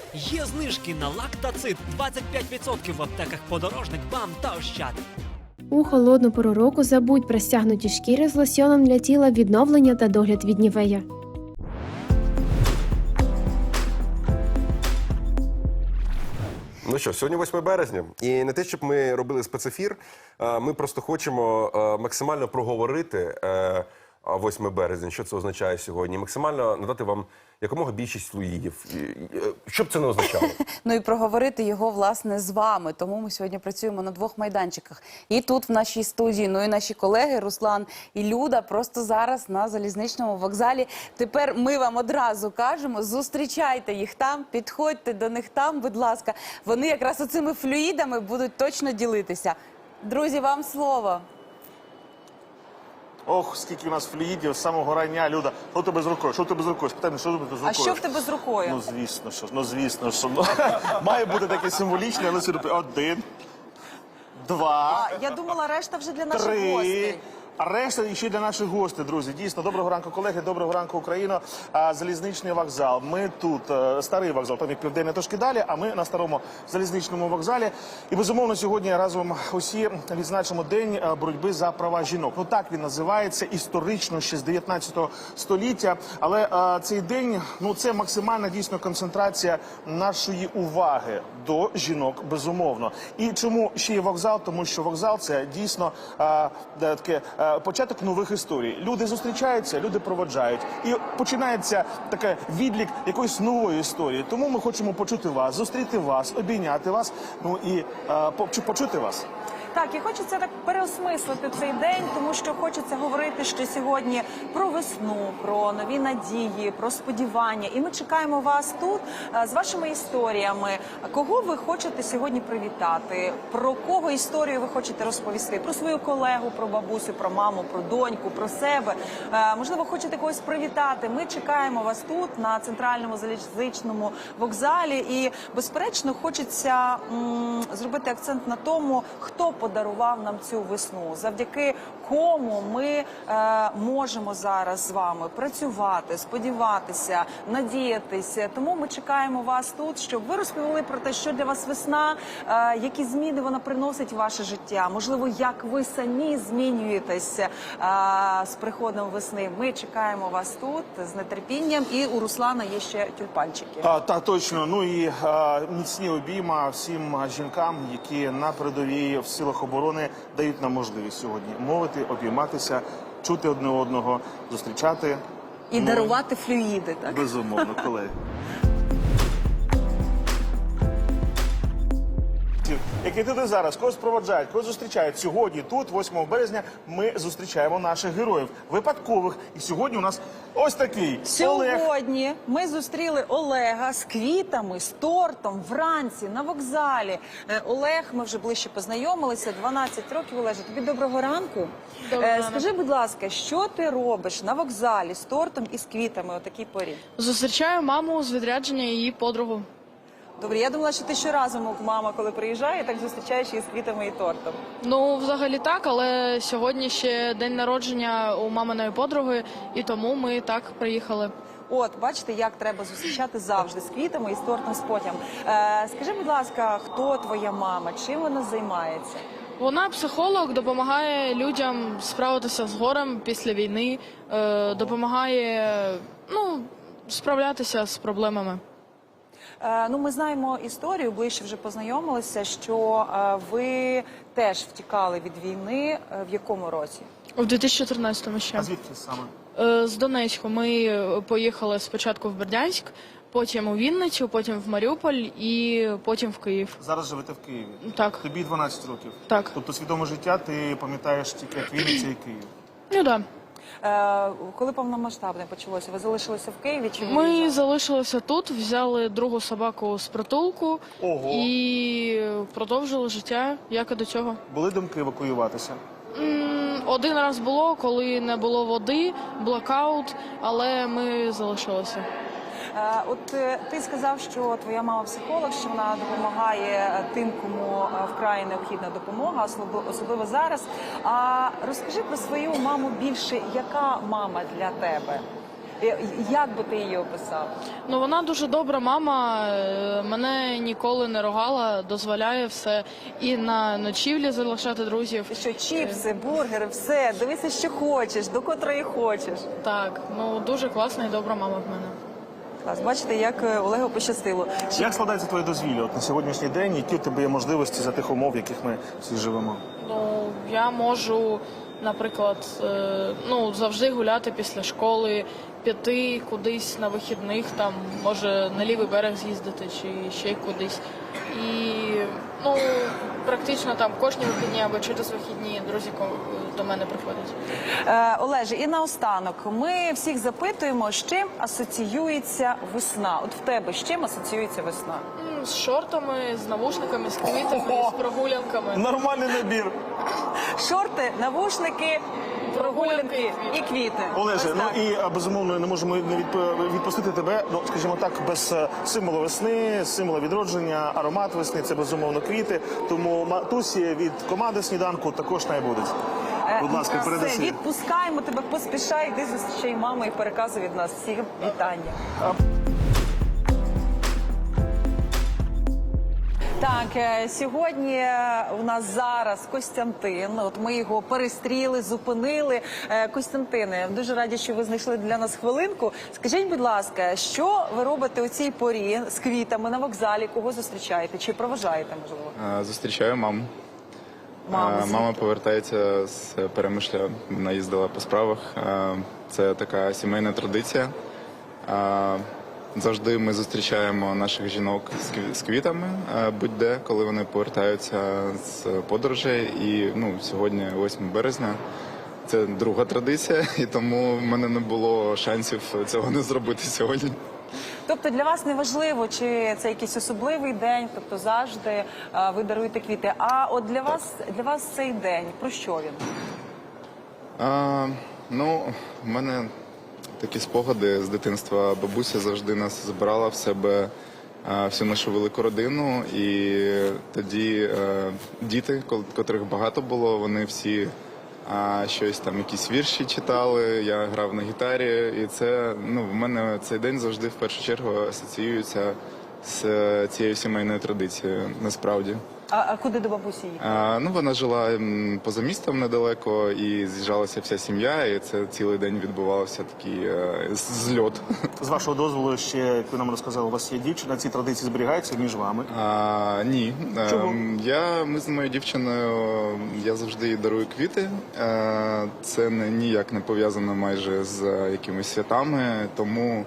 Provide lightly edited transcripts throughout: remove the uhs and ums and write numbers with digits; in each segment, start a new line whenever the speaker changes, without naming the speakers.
Є знижки на лактацит 25% в аптеках «Подорожник», «БАМ» та «Ощад».
У холодну пору року забудь про стягнуті шкіри з лосьоном для тіла, відновлення та догляд від Нівея.
Ну що, сьогодні 8 березня, і не те, щоб ми робили спецефір, ми просто хочемо максимально проговорити 8 березня, що це означає сьогодні, максимально надати вам якомога більшість флюїдів, що б це не означало.
Ну і проговорити його, власне, з вами. Тому ми сьогодні працюємо на двох майданчиках. І тут, в нашій студії, ну і наші колеги Руслан і Люда просто зараз на залізничному вокзалі. Тепер ми вам одразу кажемо, зустрічайте їх там, підходьте до них там, будь ласка. Вони якраз оцими флюїдами будуть точно ділитися. Друзі, вам слово.
Ох, скільки у нас флюїдів з самого рання, Люда. Що в тебе з рукою? Що в тебе з рукою? Спитай мене, що в тебе з рукою?
А що в тебе з рукою?
Ну, звісно, що. Має бути таке символічне, але сюди. 1, 2,
Я думала, решта вже для наших
3.
гостей.
А решта ще для наших гостей, друзі. Дійсно, доброго ранку, колеги, доброго ранку, Україно. Залізничний вокзал. Ми тут, старий вокзал, там як Південне, трошки далі, а ми на старому залізничному вокзалі. І, безумовно, сьогодні разом усі відзначимо День боротьби за права жінок. Ну так він називається, історично, ще з 19 століття. Але цей день, ну це максимальна дійсно концентрація нашої уваги до жінок, безумовно. І чому ще є вокзал? Тому що вокзал – це дійсно таке початок нових історій. Люди зустрічаються, люди проводжають. І починається такий відлік якоїсь нової історії. Тому ми хочемо почути вас, зустріти вас, обійняти вас, ну і почути вас.
Так, і хочеться так переосмислити цей день, тому що хочеться говорити ще сьогодні про весну, про нові надії, про сподівання. І ми чекаємо вас тут з вашими історіями. Кого ви хочете сьогодні привітати? Про кого історію ви хочете розповісти? Про свою колегу, про бабусю, про маму, про доньку, про себе. Можливо, хочете когось привітати. Ми чекаємо вас тут, на центральному залізничному вокзалі. І, безперечно, хочеться зробити акцент на тому, хто подарував нам цю весну, завдяки кому ми можемо зараз з вами працювати, сподіватися, надіятися. Тому ми чекаємо вас тут, щоб ви розповіли про те, що для вас весна, які зміни вона приносить в ваше життя, можливо, як ви самі змінюєтеся з приходом весни. Ми чекаємо вас тут з нетерпінням, і у Руслана є ще тюльпанчики.
Так, точно. Ну і міцні обійма всім жінкам, які на передовій в силах оборони дають нам можливість сьогодні мовити, обійматися, чути одне одного, зустрічати.
І дарувати флюїди, так?
Безумовно, колеги. Які тут і зараз, когось проводжають, когось зустрічають. Сьогодні тут, 8 березня, ми зустрічаємо наших героїв, випадкових. І сьогодні у нас ось такий Олег.
Сьогодні ми зустріли Олега з квітами, з тортом, вранці, на вокзалі. Олег, ми вже ближче познайомилися, 12 років. Олеже, тобі доброго ранку. Скажи, будь ласка, що ти робиш на вокзалі з тортом і з квітами о такій порі?
Зустрічаю маму з відрядження і її подругу.
Добре, я думала, що ти щоразу, мама, коли приїжджає, так зустрічаєш її з квітами і тортом.
Ну, взагалі так, але сьогодні ще день народження у маминої подруги, і тому ми так приїхали.
От, бачите, як треба зустрічати завжди з квітами і з тортом, з потям. Скажи, будь ласка, хто твоя мама, чим вона займається?
Вона психолог, допомагає людям справитися з горем після війни, допомагає, справлятися з проблемами.
Ну, ми знаємо історію, ближче вже познайомилися, що ви теж втікали від війни. В якому році?
У 2014-му ще.
А звідки саме?
З Донецьку. Ми поїхали спочатку в Бердянськ, потім у Вінницю, потім в Маріуполь і потім в Київ.
Зараз живете в Києві?
Так.
Тобі 12 років?
Так.
Тобто свідоме життя ти пам'ятаєш тільки як Вінниця і Київ?
Ну, так.
Коли повномасштабне почалося, ви залишилися в Києві чи
Ми залишилися тут, взяли другу собаку з притулку.
Ого.
І продовжили життя, як і до цього.
Були думки евакуюватися?
Один раз було, коли не було води, блокаут, але ми залишилися.
От ти сказав, що твоя мама психолог, що вона допомагає тим, кому вкрай необхідна допомога, особливо зараз. А розкажи про свою маму більше, яка мама для тебе? Як би ти її описав?
Ну, вона дуже добра мама, мене ніколи не ругала, дозволяє все і на ночівлі залишати друзів.
Що чіпси, бургери, все, дивися, що хочеш, до котрої хочеш.
Так, ну дуже класна і добра мама в мене.
Клас, бачите, як Олегу пощастило.
Як складається твоє дозвілля от на сьогоднішній день? Які у тебе є можливості за тих умов, в яких ми всі живемо?
Ну, я можу, наприклад, завжди гуляти після школи, піти кудись на вихідних, там, може, на лівий берег з'їздити чи ще кудись. І, практично там кожні вихідні або через вихідні друзі до мене приходять.
Олеже, і наостанок, ми всіх запитуємо, з чим асоціюється весна. От в тебе з чим асоціюється весна?
З шортами, з навушниками, з квітами, з прогулянками.
Нормальний набір.
Шорти, навушники, прогулянки і квіти.
Олеже,
Ось так.
і безумовно не можемо не відпустити тебе, скажімо так, без символу весни, символу відродження, аромат весни, це безумовно квіти. Тому матусі від команди «Сніданку» також не буде. Будь ласка,
Все,
передаси.
відпускаємо тебе, поспішай, йди зустрічай маму і переказуй від нас всіх вітання. Так, сьогодні у нас зараз Костянтин. От ми його перестріли, зупинили. Костянтине, дуже раді, що ви знайшли для нас хвилинку. Скажіть, будь ласка, що ви робите у цій порі з квітами на вокзалі? Кого зустрічаєте? Чи проважаєте, можливо?
Зустрічаю маму.
Мама
Мама повертається з Перемишля, вона їздила по справах. Це така сімейна традиція. Завжди ми зустрічаємо наших жінок з квітами, будь-де, коли вони повертаються з подорожей. І сьогодні, 8 березня, це друга традиція, і тому в мене не було шансів цього не зробити сьогодні.
Тобто для вас не важливо, чи це якийсь особливий день, тобто завжди ви даруєте квіти. А от для вас цей день, про що він?
В мене такі спогади з дитинства. Бабуся завжди нас збирала в себе всю нашу велику родину. І тоді діти, котрих багато було, вони всі щось там, якісь вірші читали, я грав на гітарі. І це, в мене цей день завжди в першу чергу асоціюється з цією сімейною традицією, насправді.
А куди до бабусі їхали?
Вона жила поза містом недалеко, і з'їжджалася вся сім'я, і це цілий день відбувався такий зльот.
З вашого дозволу, ще, як ви нам розказали, у вас є дівчина, ці традиції зберігаються між вами?
Ні.
Чому?
Ми з моєю дівчиною, я завжди їй дарую квіти. Це ніяк не пов'язано майже з якимись святами, тому,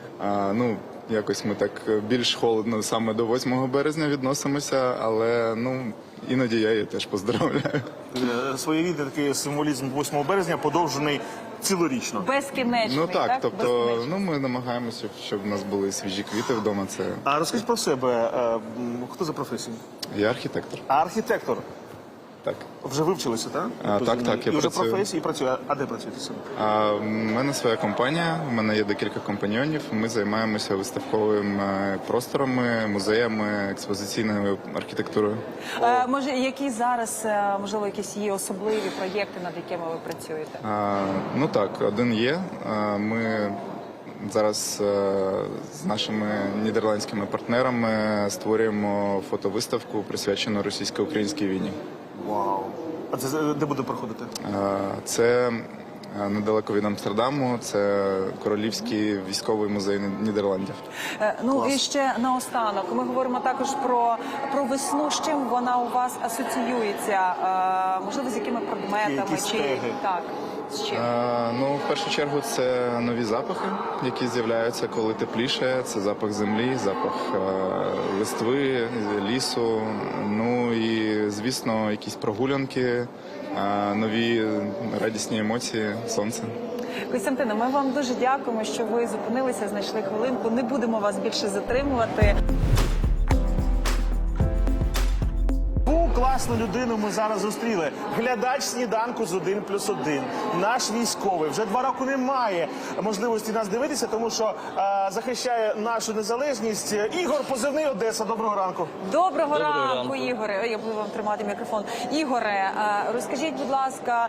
якось ми так більш холодно саме до 8 березня відносимося, але, іноді я її теж поздравляю.
Своєрідний такий символізм 8 березня подовжений цілорічно.
Безкінечний, так?
Тобто,
Безкінечний.
ми намагаємося, щоб в нас були свіжі квіти вдома. Це
А розкажіть про себе, хто за професією?
я архітектор.
Архітектор.
Так.
Вже вивчилися, так?
Так, я
і вже
працюю.
професії працює. А де працюєте саме?
У мене своя компанія, у мене є декілька компаньйонів. Ми займаємося виставковими просторами, музеями, експозиційною архітектурою.
Може, які зараз, можливо, якісь є особливі проєкти, над якими ви працюєте?
Так, один є. Ми зараз з нашими нідерландськими партнерами створюємо фотовиставку, присвячену російсько-українській війні.
Вау. А це де буде проходити?
Це недалеко від Амстердаму, це Королівський військовий музей Нідерландів.
І ще наостанок, ми говоримо також про весну, з чим вона у вас асоціюється, можливо, з якими предметами?
Які стеги?
Так, з чим?
В першу чергу це нові запахи, які з'являються, коли тепліше. Це запах землі, запах листви, лісу. І, звісно, якісь прогулянки, нові радісні емоції, сонце.
Костянтине, ми вам дуже дякуємо, що ви зупинилися, знайшли хвилинку. Не будемо вас більше затримувати.
класну людину ми зараз зустріли. Глядач сніданку з 1+1. Наш військовий вже 2 роки не має можливості нас дивитися, тому що захищає нашу незалежність. Ігор, позивний Одеса. Доброго ранку.
Доброго ранку, Ігоре. Ой, я буду вам тримати мікрофон. Ігоре, розкажіть, будь ласка,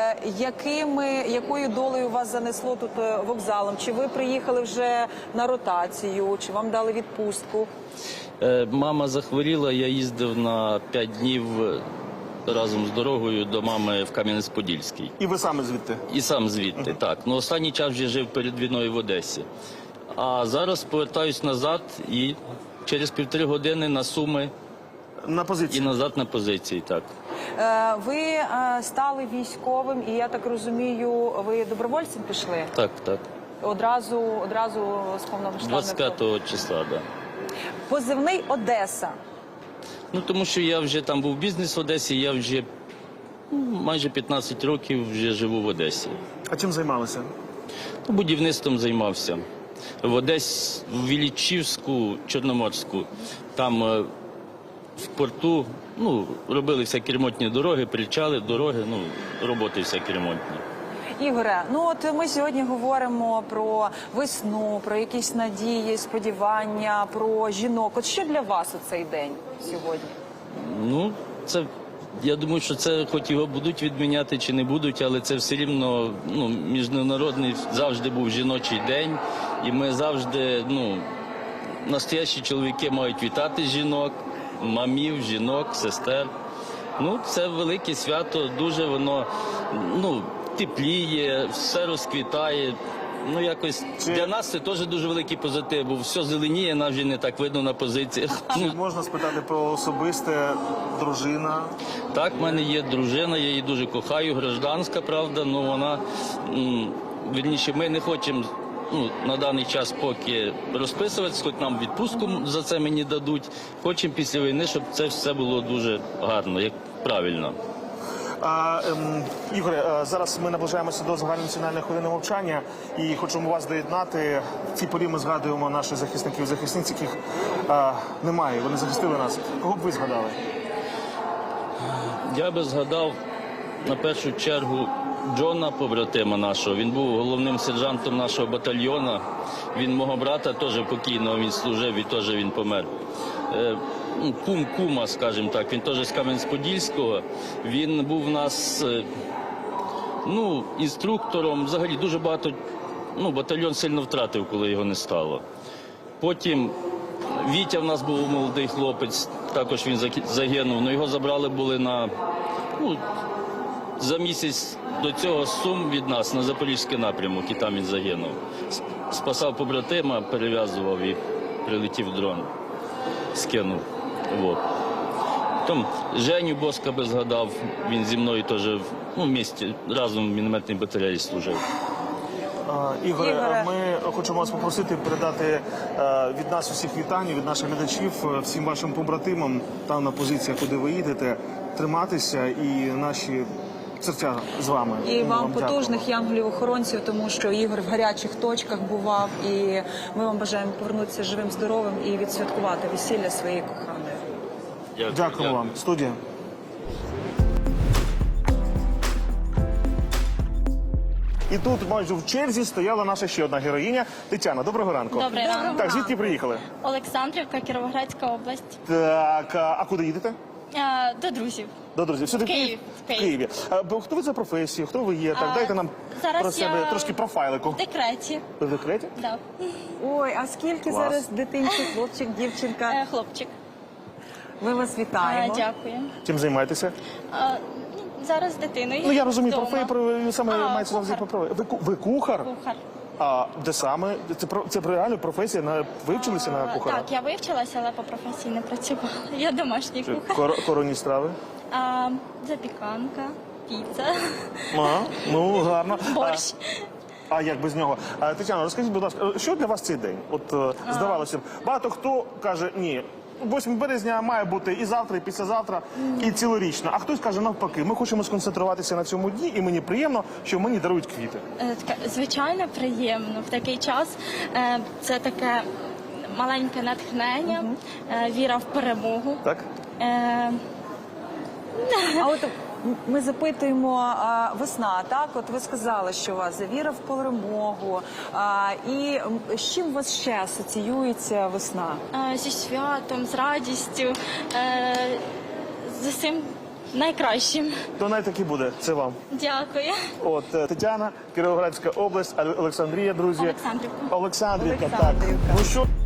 якою долею вас занесло тут вокзалом? Чи ви приїхали вже на ротацію, чи вам дали відпустку?
Мама захворіла, я їздив на 5 днів разом з дорогою до мами в Кам'янець-Подільський.
І ви саме звідти?
І сам звідти, так. Ну, останній час вже жив перед війною в Одесі. А зараз повертаюсь назад і через 1,5 години на Суми
На
і
позиції.
назад на позиції, так.
Ви стали військовим, і я так розумію, ви добровольцем пішли?
Так, так.
Одразу з повномасштабною?
25-го числа, так. Да.
Позивний Одеса.
Ну, тому що я вже там був бізнес в Одесі, я вже майже 15 років вже живу в Одесі.
А чим займалися?
Ну, будівництвом займався. В Одесі, в Іллічівську, Чорноморську, там в порту, робили всякі ремонтні дороги, причали, дороги, роботи всякі ремонтні.
Ігоре, от ми сьогодні говоримо про весну, про якісь надії, сподівання, про жінок. От що для вас у цей день сьогодні?
Ну, я думаю, що це хоч його будуть відміняти чи не будуть, але це все рівно, міжнародний завжди був жіночий день. І ми завжди, настоящі чоловіки мають вітати жінок, мамів, жінок, сестер. Це велике свято, дуже воно, тепліє, все розквітає. Якось для нас це теж дуже великий позитив, бо все зеленіє, нас вже не так видно на позиціях.
Чи можна спитати про особисте, дружина?
Так, в мене є дружина, я її дуже кохаю, гражданська, правда, але вона, вірніше, ми не хочемо на даний час поки розписуватися, хоч нам відпустку за це мені дадуть. Хочемо після війни, щоб це все було дуже гарно, як правильно.
Ігоре, зараз ми наближаємося до загальнонаціональної хвилини мовчання і хочемо вас доєднати. В цій порі ми згадуємо наших захисників і захисниць, яких немає, вони захистили нас. Кого б ви згадали?
Я би згадав на першу чергу Джона, побратима нашого. Він був головним сержантом нашого батальйону. Він мого брата теж покійного, він служив і теж він помер. Кума, скажімо так, він теж з Кам'янець-Подільського. Він був у нас інструктором. Взагалі дуже багато, батальйон сильно втратив, коли його не стало. Потім Вітя в нас був молодий хлопець, також він загинув. Його забрали були за місяць до цього з Сум від нас на Запорізький напрямок, і там він загинув. Спасав побратима, перев'язував і прилетів дрон, скинув. Потім Женю Боска би згадав, він зі мною теж в місті разом в мінометній батареї служив.
Ігоре, ми хочемо вас попросити передати від нас усіх вітань, від наших глядачів, всім вашим побратимам там на позиціях, куди ви їдете, триматися і наші серця з вами.
І вам
дякуємо.
потужних янголів-охоронців, тому що Ігор в гарячих точках бував, і ми вам бажаємо повернутися живим, здоровим і відсвяткувати весілля своєї коханої.
Дякуємо вам. Студія. І тут майже в черзі стояла наша ще одна героїня Тетяна. Доброго ранку.
Доброго ранку.
Так, звідки приїхали?
Олександрівка, Кіровоградська область.
Так, а куди їдете?
До друзів.
До друзів. Сюди в
Київ.
В Києві. Хто ви за професію? Хто ви є? Так, дайте нам
зараз
про себе
я
трошки профайлику.
В декреті.
Ви в декреті?
Да.
Ой, а скільки
Клас.
зараз дитинчик, хлопчик, дівчинка?
Хлопчик.
Ми вас вітаємо.
Дякую.
Чим займаєтеся?
Зараз з дитиною.
Ну, я розумію,
вдома.
саме мається на увазі
кухар.
Ви кухар?
Кухар.
А де саме? Це реально професія? Ви вчилися на кухара?
Так, я вивчилася, але по професії не працювала. Я домашній кухар.
Коронні страви?
Запіканка, піца,
Ну, гарно.
борщ.
А як без нього? Тетяна, розкажіть, будь ласка, що для вас цей день? Здавалося б, багато хто каже, ні, 8 березня має бути і завтра, і післязавтра, і цілорічно. А хтось каже, навпаки, ми хочемо сконцентруватися на цьому дні, і мені приємно, що мені дарують квіти.
Звичайно, приємно. В такий час це таке маленьке натхнення, віра в перемогу.
Так?
А от ми запитуємо, весна, так? От ви сказали, що у вас віра в перемогу. І з чим у вас ще асоціюється весна?
Зі святом, з радістю, з усім найкращим.
То навіть буде, це вам.
Дякую.
От Тетяна, Кіровоградська область, Олександрія, друзі.
Олександрівка.
Олександрівка, так.
Олександрівка.
Ну що?